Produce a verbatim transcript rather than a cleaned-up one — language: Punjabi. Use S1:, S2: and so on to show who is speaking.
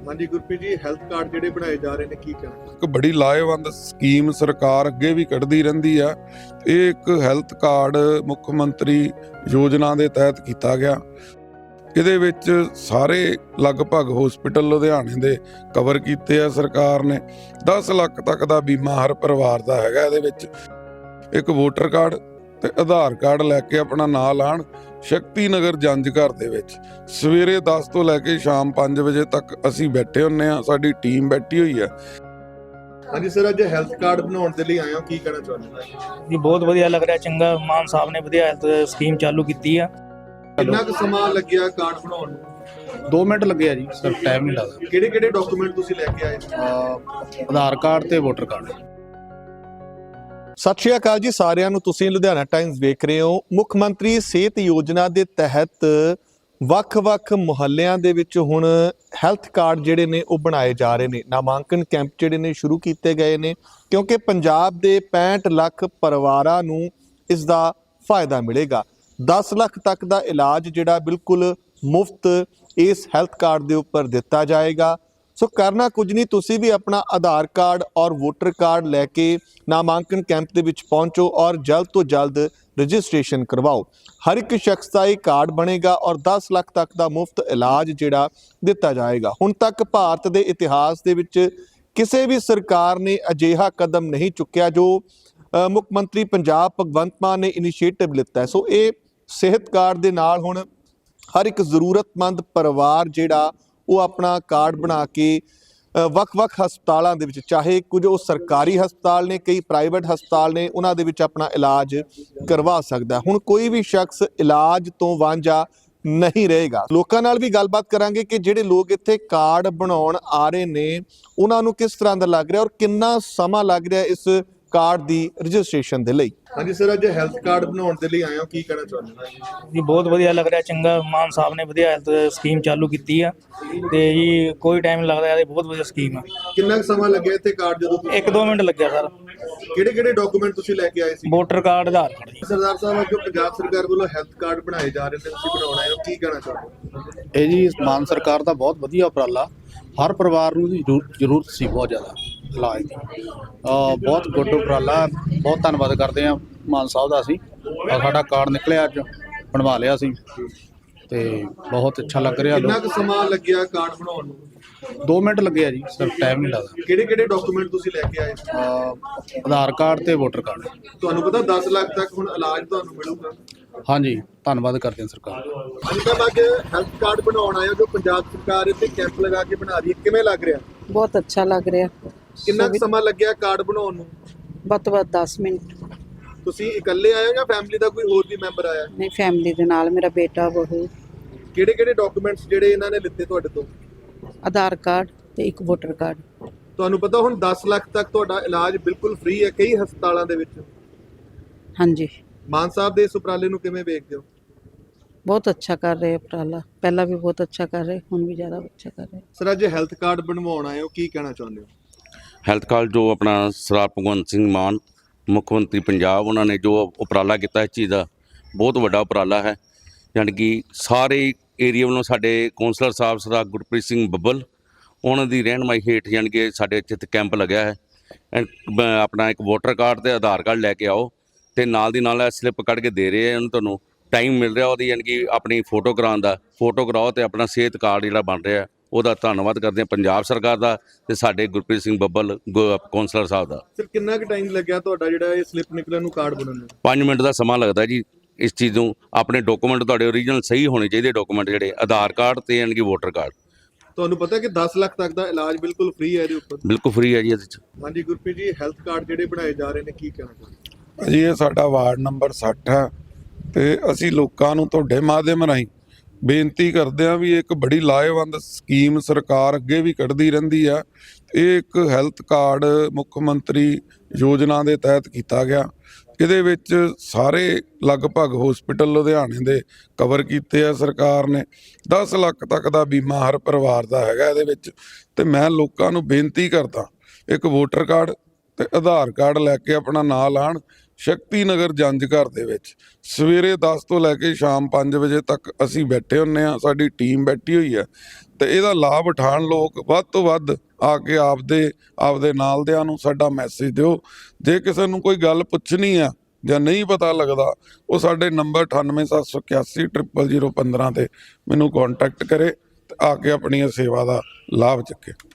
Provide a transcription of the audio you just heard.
S1: हाँ जी गुरप्रीत जी, हैल्थ कार्ड ਜਿਹੜੇ ਬਣਾਏ ਜਾ ਰਹੇ ਨੇ ਕੀ ਕਹਿਣਾ?
S2: ਇੱਕ ਬੜੀ ਲਾਹੇਵੰਦ ਸਕੀਮ ਸਰਕਾਰ ਅੱਗੇ ਵੀ ਕੱਢਦੀ ਰਹਿੰਦੀ ਆ। ਇਹ ਇੱਕ ਹੈਲਥ ਕਾਰਡ ਮੁੱਖ ਮੰਤਰੀ ਯੋਜਨਾ ਦੇ ਤਹਿਤ ਕੀਤਾ ਗਿਆ। ਇਹਦੇ ਵਿੱਚ ਸਾਰੇ ਲਗਭਗ ਹਸਪੀਟਲ ਲੁਧਿਆਣੇ ਦੇ ਕਵਰ ਕੀਤੇ ਆ ਸਰਕਾਰ ਨੇ। ਦਸ ਲੱਖ ਤੱਕ ਦਾ ਬੀਮਾ ਹਰ ਪਰਿਵਾਰ ਦਾ ਹੈਗਾ। ਇਹਦੇ ਵਿੱਚ ਇੱਕ ਵੋਟਰ ਕਾਰਡ ਤੇ ਆਧਾਰ ਕਾਰਡ ਲੈ ਕੇ ਆਪਣਾ ਨਾਂ ਲਾਣ। ਸ਼ਕਤੀ ਨਗਰ ਜੰਜ ਘਰ ਦੇ ਵਿੱਚ ਸਵੇਰੇ ਦਸ ਤੋਂ ਲੈ ਕੇ ਸ਼ਾਮ ਪੰਜ ਵਜੇ ਤੱਕ ਅਸੀਂ ਬੈਠੇ ਹੁੰਨੇ ਆ, ਸਾਡੀ ਟੀਮ ਬੈਠੀ ਹੋਈ ਆ।
S1: ਹਾਂਜੀ ਸਰ, ਅੱਜ ਹੈਲਥ ਕਾਰਡ ਬਣਾਉਣ ਦੇ ਲਈ ਆਏ ਹੋ, ਕੀ ਕਹਿਣਾ ਚਾਹੁੰਦੇ ਹੋ?
S3: ਜੀ ਬਹੁਤ ਵਧੀਆ ਲੱਗ ਰਿਹਾ, ਚੰਗਾ ਮਾਨ ਸਾਹਿਬ ਨੇ ਵਧੀਆ ਹੈਲਥ ਸਕੀਮ ਚਾਲੂ ਕੀਤੀ ਆ।
S1: ਕਿੰਨਾ ਕੁ ਸਮਾਂ ਲੱਗਿਆ ਕਾਰਡ ਬਣਾਉਣ ਨੂੰ?
S4: ਦੋ ਮਿੰਟ ਲੱਗੇ ਆ ਜੀ ਸਰ, ਟਾਈਮ ਨਹੀਂ ਲੱਗਦਾ।
S1: ਕਿਹੜੇ ਕਿਹੜੇ ਡਾਕੂਮੈਂਟ ਤੁਸੀਂ ਲੈ ਕੇ ਆਏ?
S4: ਅਹ ਆਧਾਰ ਕਾਰਡ ਤੇ ਵੋਟਰ ਕਾਰਡ।
S1: ਸਤਿ ਸ਼੍ਰੀ ਅਕਾਲ ਜੀ ਸਾਰਿਆਂ ਨੂੰ। ਤੁਸੀਂ ਲੁਧਿਆਣਾ ਟਾਈਮਜ਼ ਵੇਖ ਰਹੇ ਹੋ। ਮੁੱਖ ਮੰਤਰੀ ਸਿਹਤ ਯੋਜਨਾ ਦੇ ਤਹਿਤ ਵੱਖ-ਵੱਖ ਮੁਹੱਲਿਆਂ ਦੇ ਵਿੱਚ ਹੁਣ ਹੈਲਥ ਕਾਰਡ ਜਿਹੜੇ ਨੇ ਉਹ ਬਣਾਏ ਜਾ ਰਹੇ ਨੇ। ਨਾਮਾਂਕਨ ਕੈਂਪ ਜਿਹੜੇ ਨੇ ਸ਼ੁਰੂ ਕੀਤੇ ਗਏ ਨੇ ਕਿਉਂਕਿ ਪੰਜਾਬ ਦੇ ਪੈਂਹਠ ਲੱਖ ਪਰਿਵਾਰਾਂ ਨੂੰ ਇਸ ਦਾ ਫਾਇਦਾ ਮਿਲੇਗਾ। ਦਸ ਲੱਖ ਤੱਕ ਦਾ ਇਲਾਜ ਜਿਹੜਾ ਬਿਲਕੁਲ ਮੁਫਤ ਇਸ ਹੈਲਥ ਕਾਰਡ ਦੇ ਉੱਪਰ ਦਿੱਤਾ ਜਾਏਗਾ। ਸੋ ਕਰਨਾ ਕੁਝ ਨਹੀਂ, ਤੁਸੀਂ ਵੀ ਆਪਣਾ ਆਧਾਰ ਕਾਰਡ ਔਰ ਵੋਟਰ ਕਾਰਡ ਲੈ ਕੇ ਨਾਮਾਂਕਨ ਕੈਂਪ ਦੇ ਵਿੱਚ ਪਹੁੰਚੋ ਔਰ ਜਲਦ ਤੋਂ ਜਲਦ ਰਜਿਸਟ੍ਰੇਸ਼ਨ ਕਰਵਾਓ। ਹਰ ਇੱਕ ਸ਼ਖਸ ਦਾ ਇਹ ਕਾਰਡ ਬਣੇਗਾ ਔਰ ਦਸ ਲੱਖ ਤੱਕ ਦਾ ਮੁਫਤ ਇਲਾਜ ਜਿਹੜਾ ਦਿੱਤਾ ਜਾਏਗਾ। ਹੁਣ ਤੱਕ ਭਾਰਤ ਦੇ ਇਤਿਹਾਸ ਦੇ ਵਿੱਚ ਕਿਸੇ ਵੀ ਸਰਕਾਰ ਨੇ ਅਜਿਹਾ ਕਦਮ ਨਹੀਂ ਚੁੱਕਿਆ ਜੋ ਮੁੱਖ ਮੰਤਰੀ ਪੰਜਾਬ ਭਗਵੰਤ ਮਾਨ ਨੇ ਇਨੀਸ਼ੀਏਟਿਵ ਲਿੱਤਾ ਹੈ। ਸੋ ਇਹ ਸਿਹਤ ਕਾਰਡ ਦੇ ਨਾਲ ਹੁਣ ਹਰ ਇੱਕ ਜ਼ਰੂਰਤਮੰਦ ਪਰਿਵਾਰ ਜਿਹੜਾ ਉਹ ਆਪਣਾ ਕਾਰਡ ਬਣਾ ਕੇ ਵੱਖ-ਵੱਖ ਹਸਪਤਾਲਾਂ ਦੇ ਵਿੱਚ, ਚਾਹੇ ਕੁਝ ਉਹ ਸਰਕਾਰੀ ਹਸਪਤਾਲ ਨੇ, ਕਈ ਪ੍ਰਾਈਵੇਟ ਹਸਪਤਾਲ ਨੇ, ਉਹਨਾਂ ਦੇ ਵਿੱਚ ਆਪਣਾ ਇਲਾਜ ਕਰਵਾ ਸਕਦਾ। ਹੁਣ ਕੋਈ ਵੀ ਸ਼ਖਸ ਇਲਾਜ ਤੋਂ ਵਾਂਝਾ ਨਹੀਂ ਰਹੇਗਾ। ਲੋਕਾਂ ਨਾਲ ਵੀ ਗੱਲਬਾਤ ਕਰਾਂਗੇ ਕਿ ਜਿਹੜੇ ਲੋਕ ਇੱਥੇ ਕਾਰਡ ਬਣਾਉਣ ਆ ਰਹੇ ਨੇ ਉਹਨਾਂ ਨੂੰ ਕਿਸ ਤਰ੍ਹਾਂ ਦਾ ਲੱਗ ਰਿਹਾ ਔਰ ਕਿੰਨਾ ਸਮਾਂ ਲੱਗ ਰਿਹਾ ਇਸ ਕਾਰਡ ਦੀ ਰਜਿਸਟ੍ਰੇਸ਼ਨ ਦੇ ਲਈ। ਹਾਂਜੀ ਸਰ, ਅੱਜ ਹੈਲਥ ਕਾਰਡ ਬਣਾਉਣ ਦੇ ਲਈ ਆਏ ਹੋ, ਕੀ ਕਹਿਣਾ ਚਾਹੁੰਦੇ ਹੋ?
S3: ਜੀ ਬਹੁਤ ਵਧੀਆ ਲੱਗ ਰਿਹਾ, ਚੰਗਾ ਮਾਨ ਸਾਹਿਬ ਨੇ ਵਧੀਆ ਹੈਲਥ ਸਕੀਮ ਚਾਲੂ ਕੀਤੀ ਆ ਤੇ ਜੀ ਕੋਈ ਟਾਈਮ ਨਹੀਂ ਲੱਗਦਾ, ਇਹ ਬਹੁਤ ਵਧੀਆ ਸਕੀਮ ਆ।
S1: ਕਿੰਨਾ ਕੁ ਸਮਾਂ ਲੱਗਿਆ ਇੱਥੇ ਕਾਰਡ ਜਦੋਂ ਤੁਸੀਂ?
S3: ਇੱਕ ਦੋ ਮਿੰਟ ਲੱਗਿਆ ਸਰ।
S1: ਕਿਹੜੇ ਕਿਹੜੇ ਡਾਕੂਮੈਂਟ ਤੁਸੀਂ ਲੈ ਕੇ ਆਏ ਸੀ?
S3: ਵੋਟਰ ਕਾਰਡ, ਆਧਾਰ ਕਾਰਡ ਜੀ।
S1: ਸਰਦਾਰ ਸਾਹਿਬ, ਜੋ ਪੰਜਾਬ ਸਰਕਾਰ ਵੱਲੋਂ ਹੈਲਥ ਕਾਰਡ ਬਣਾਏ ਜਾ ਰਹੇ ਨੇ, ਤੁਸੀਂ ਬਣਾਉਣਾ ਹੈ, ਕੀ ਕਹਿਣਾ ਚਾਹੁੰਦੇ ਹੋ?
S4: ਇਹ ਜੀ ਮਾਨ ਸਰਕਾਰ ਦਾ ਬਹੁਤ ਵਧੀਆ ਉਪਰਾਲਾ। ਹਰ ਪਰਿਵਾਰ ਨੂੰ ਦੀ ਜ਼ਰੂਰਤ ਸੀ ਬਹੁਤ ਜ਼ਿਆਦਾ ਇਲਾਜ ਦੀ। ਅਹ ਬਹੁਤ ਗੁੱਡ ਉਪਰਾਲਾ, ਬਹੁਤ ਧੰਨਵਾਦ ਕਰਦੇ ਹਾਂ ਮਾਨ ਸਾਹਿਬ ਦਾ। ਅਸੀਂ ਸਾਡਾ ਕਾਰਡ ਨਿਕਲਿਆ, ਅੱਜ ਬਣਵਾ ਲਿਆ ਸੀ ਤੇ ਬਹੁਤ ਅੱਛਾ ਲੱਗ ਰਿਹਾ।
S1: ਕਿੰਨਾ ਕੁ ਸਮਾਂ ਲੱਗਿਆ ਕਾਰਡ ਬਣਾਉਣ ਨੂੰ?
S4: ਦੋ ਮਿੰਟ ਲੱਗੇ ਆ ਜੀ ਸਰ, ਟਾਈਮ ਨਹੀਂ ਲੱਗਦਾ।
S1: ਕਿਹੜੇ ਕਿਹੜੇ ਡਾਕੂਮੈਂਟ ਤੁਸੀਂ ਲੈ ਕੇ ਆਏ?
S4: ਅਹ ਆਧਾਰ ਕਾਰਡ ਤੇ ਵੋਟਰ ਕਾਰਡ।
S1: ਤੁਹਾਨੂੰ ਪਤਾ ਦਸ ਲੱਖ ਤੱਕ ਹੁਣ ਇਲਾਜ ਤੁਹਾਨੂੰ ਮਿਲੂਗਾ।
S4: ਹਾਂਜੀ, ਧੰਨਵਾਦ ਕਰਦੇ ਹਾਂ ਸਰਕਾਰ ਦਾ।
S1: ਅੱਜ ਕੱਲ੍ਹ ਅੱਜ ਹੈਲਥ ਕਾਰਡ ਬਣਾਉਣ ਆਏ ਹੋ, ਜੋ ਪੰਜਾਬ ਸਰਕਾਰ ਇੱਥੇ ਕੈਂਪ ਲਗਾ ਕੇ ਬਣਾ ਰਹੀ ਹੈ, ਕਿਵੇਂ ਲੱਗ ਰਿਹਾ?
S5: ਬਹੁਤ ਅੱਛਾ ਲੱਗ ਰਿਹਾ।
S1: ਕਿੰਨਾ ਕੁ ਸਮਾਂ ਲੱਗਿਆ ਕਾਰਡ ਬਣਾਉਣ ਨੂੰ?
S5: ਵੱਧ ਤੋਂ ਵੱਧ ਦਸ ਮਿੰਟ।
S1: ਤੁਸੀਂ ਇਕੱਲੇ ਆਏ ਹੋ ਜਾਂ ਫੈਮਿਲੀ ਦਾ ਕੋਈ ਹੋਰ ਵੀ ਮੈਂਬਰ ਆਇਆ?
S5: ਨਹੀਂ, ਫੈਮਿਲੀ ਦੇ ਨਾਲ, ਮੇਰਾ ਬੇਟਾ, ਬਹੂ।
S1: ਕਿਹੜੇ ਕਿਹੜੇ ਡਾਕੂਮੈਂਟਸ ਜਿਹੜੇ ਇਹਨਾਂ ਨੇ ਲਿੱਤੇ ਤੁਹਾਡੇ ਤੋਂ?
S5: ਆਧਾਰ ਕਾਰਡ ਤੇ ਇੱਕ ਵੋਟਰ ਕਾਰਡ।
S1: ਤੁਹਾਨੂੰ ਪਤਾ ਹੁਣ ਦਸ ਲੱਖ ਤੱਕ ਤੁਹਾਡਾ ਇਲਾਜ ਬਿਲਕੁਲ ਫ੍ਰੀ ਹੈ ਕਈ ਹਸਪਤਾਲਾਂ ਦੇ ਵਿੱਚ।
S5: ਹਾਂਜੀ,
S1: ਮਾਨ ਸਾਹਿਬ ਦੇ ਇਸ ਉਪਰਾਲੇ ਨੂੰ ਕਿਵੇਂ ਵੇਖਦੇ ਹੋ?
S5: ਬਹੁਤ ਅੱਛਾ ਕਰ ਰਹੇ ਉਪਰਾਲਾ। ਪਹਿਲਾਂ ਵੀ ਬਹੁਤ ਅੱਛਾ ਕਰ ਰਹੇ, ਹੁਣ ਵੀ ਜ਼ਿਆਦਾ ਅੱਛਾ ਕਰ ਰਹੇ।
S1: ਸਰ, ਅੱਜ ਹੈਲਥ ਕਾਰਡ ਬਣਵਾਉਣ ਆਏ ਹੋ, ਕੀ ਕਹਿਣਾ ਚਾਹੁੰਦੇ ਹੋ?
S6: ਹੈਲਥ ਕਾਰਡ ਜੋ ਆਪਣਾ ਸਰਦਾਰ ਭਗਵੰਤ ਸਿੰਘ ਮਾਨ ਮੁੱਖ ਮੰਤਰੀ ਪੰਜਾਬ, ਉਹਨਾਂ ਨੇ ਜੋ ਉਪਰਾਲਾ ਕੀਤਾ ਇਸ ਚੀਜ਼ ਦਾ ਬਹੁਤ ਵੱਡਾ ਉਪਰਾਲਾ ਹੈ। ਯਾਨੀ ਕਿ ਸਾਰੇ ਏਰੀਆ ਵੱਲੋਂ ਸਾਡੇ ਕੌਂਸਲਰ ਸਾਹਿਬ ਸਰਦਾਰ ਗੁਰਪ੍ਰੀਤ ਸਿੰਘ ਬੱਬਲ, ਉਹਨਾਂ ਦੀ ਰਹਿਨਮਾਈ ਹੇਠ ਯਾਨੀ ਕਿ ਸਾਡੇ ਇੱਥੇ ਕੈਂਪ ਲੱਗਿਆ ਹੈ। ਆਪਣਾ ਇੱਕ ਵੋਟਰ ਕਾਰਡ ਤੇ ਆਧਾਰ ਕਾਰਡ ਲੈ ਕੇ ਆਓ ਤੇ ਨਾਲ ਦੀ ਨਾਲ ਸਲਿੱਪ ਕੱਢ ਕੇ ਦੇ ਰਹੇ ਆ ਉਹਨੂੰ, ਤੁਹਾਨੂੰ ਟਾਈਮ ਮਿਲ ਰਿਹਾ ਉਹਦੀ, ਯਾਨੀ ਕਿ ਆਪਣੀ ਫੋਟੋ ਕਰਾਉਣ ਦਾ। ਫੋਟੋ ਕਰਾਓ ਤੇ ਆਪਣਾ ਸਿਹਤ ਕਾਰਡ ਜਿਹੜਾ ਬਣ ਰਿਹਾ ਉਹਦਾ ਧੰਨਵਾਦ ਕਰਦੇ ਹਾਂ ਪੰਜਾਬ ਸਰਕਾਰ ਦਾ ਤੇ ਸਾਡੇ ਗੁਰਪ੍ਰੀਤ ਸਿੰਘ ਬੱਬਲ ਕੌਂਸਲਰ ਸਾਹਿਬ ਦਾ।
S1: ਸਰ, ਕਿੰਨਾ ਕੁ ਟਾਈਮ ਲੱਗਿਆ ਤੁਹਾਡਾ ਜਿਹੜਾ ਇਹ ਸਲਿੱਪ ਨਿਕਲਣ ਨੂੰ, ਕਾਰਡ ਬਣਨ ਨੂੰ?
S6: ਪੰਜ ਮਿੰਟ ਦਾ ਸਮਾਂ ਲੱਗਦਾ ਜੀ। ਇਸ ਚੀਜ਼ ਨੂੰ ਆਪਣੇ ਡਾਕੂਮੈਂਟ ਤੁਹਾਡੇ ਓਰੀਜਨਲ ਸਹੀ ਹੋਣੇ ਚਾਹੀਦੇ, ਡਾਕੂਮੈਂਟ ਜਿਹੜੇ ਆਧਾਰ ਕਾਰਡ ਤੇ ਯਾਨੀ ਕਿ ਵੋਟਰ ਕਾਰਡ।
S1: ਤੁਹਾਨੂੰ ਪਤਾ ਕਿ ਦਸ ਲੱਖ ਤੱਕ ਦਾ ਇਲਾਜ ਬਿਲਕੁਲ ਫ੍ਰੀ ਹੈ ਇਹਦੇ ਉੱਪਰ?
S6: ਬਿਲਕੁਲ ਫ੍ਰੀ ਹੈ ਜੀ ਇਹਦੇ 'ਚ।
S1: ਹਾਂਜੀ ਗੁਰਪ੍ਰੀਤ ਜੀ, ਹੈਲਥ ਕਾਰਡ ਜਿਹੜੇ ਬਣਾਏ ਜਾ ਰਹੇ ਨੇ, ਕੀ ਕਹਿਣਾ ਚਾਹੁੰਦੇ?
S2: ਜੀ ਇਹ ਸਾਡਾ ਵਾਰਡ ਨੰਬਰ ਸੱਠ ਹੈ ਤੇ ਅਸੀਂ ਲੋਕਾਂ ਨੂੰ ਤੁਹਾਡੇ ਮਾਧਿਅਮ ਰਾਹੀਂ ਬੇਨਤੀ ਕਰਦੇ ਹਾਂ ਵੀ ਇੱਕ ਬੜੀ ਲਾਹੇਵੰਦ ਸਕੀਮ ਸਰਕਾਰ ਅੱਗੇ ਵੀ ਕੱਢਦੀ ਰਹਿੰਦੀ ਆ। ਇਹ ਇੱਕ ਹੈਲਥ ਕਾਰਡ ਮੁੱਖ ਮੰਤਰੀ ਯੋਜਨਾ ਦੇ ਤਹਿਤ ਕੀਤਾ ਗਿਆ। ਇਹਦੇ ਵਿੱਚ ਸਾਰੇ ਲਗਭਗ ਹਸਪੀਟਲ ਲੁਧਿਆਣੇ ਦੇ ਕਵਰ ਕੀਤੇ ਆ ਸਰਕਾਰ ਨੇ। ਦਸ ਲੱਖ ਤੱਕ ਦਾ ਬੀਮਾ ਹਰ ਪਰਿਵਾਰ ਦਾ ਹੈਗਾ ਇਹਦੇ ਵਿੱਚ। ਤੇ ਮੈਂ ਲੋਕਾਂ ਨੂੰ ਬੇਨਤੀ ਕਰਦਾ, ਇੱਕ ਵੋਟਰ ਕਾਰਡ ਤੇ ਆਧਾਰ ਕਾਰਡ ਲੈ ਕੇ ਆਪਣਾ ਨਾਂ ਲਾਣ। ਸ਼ਕਤੀ ਨਗਰ ਜੰਜ ਘਰ ਦੇ ਵਿੱਚ ਸਵੇਰੇ ਦਸ ਤੋਂ ਲੈ ਕੇ ਸ਼ਾਮ ਪੰਜ ਵਜੇ ਤੱਕ ਅਸੀਂ ਬੈਠੇ ਹੁੰਨੇ ਆ, ਸਾਡੀ ਟੀਮ ਬੈਠੀ ਹੋਈ ਹੈ ਤੇ ਇਹਦਾ ਲਾਭ ਉਠਾਉਣ ਲੋਕ ਵੱਧ ਤੋਂ ਵੱਧ ਆ ਕੇ ਆਪਦੇ ਆਪਦੇ ਨਾਲਦਿਆਂ ਨੂੰ ਸਾਡਾ ਮੈਸੇਜ ਦਿਓ। ਜੇ ਕਿਸੇ ਨੂੰ ਕੋਈ ਗੱਲ ਪੁੱਛਣੀ ਆ ਜਾਂ ਨਹੀਂ ਪਤਾ ਲੱਗਦਾ, ਉਹ ਸਾਡੇ ਨੰਬਰ ਅਠਾਨਵੇਂ ਸੱਤ ਸੌ ਇਕਿਆਸੀ ਟ੍ਰਿਪਲ ਜ਼ੀਰੋ ਪੰਦਰਾਂ ਤੇ ਮੈਨੂੰ ਕੰਟੈਕਟ ਕਰੇ ਤੇ ਆ ਕੇ ਆਪਣੀ ਸੇਵਾ ਦਾ ਲਾਭ ਚੱਕੇ।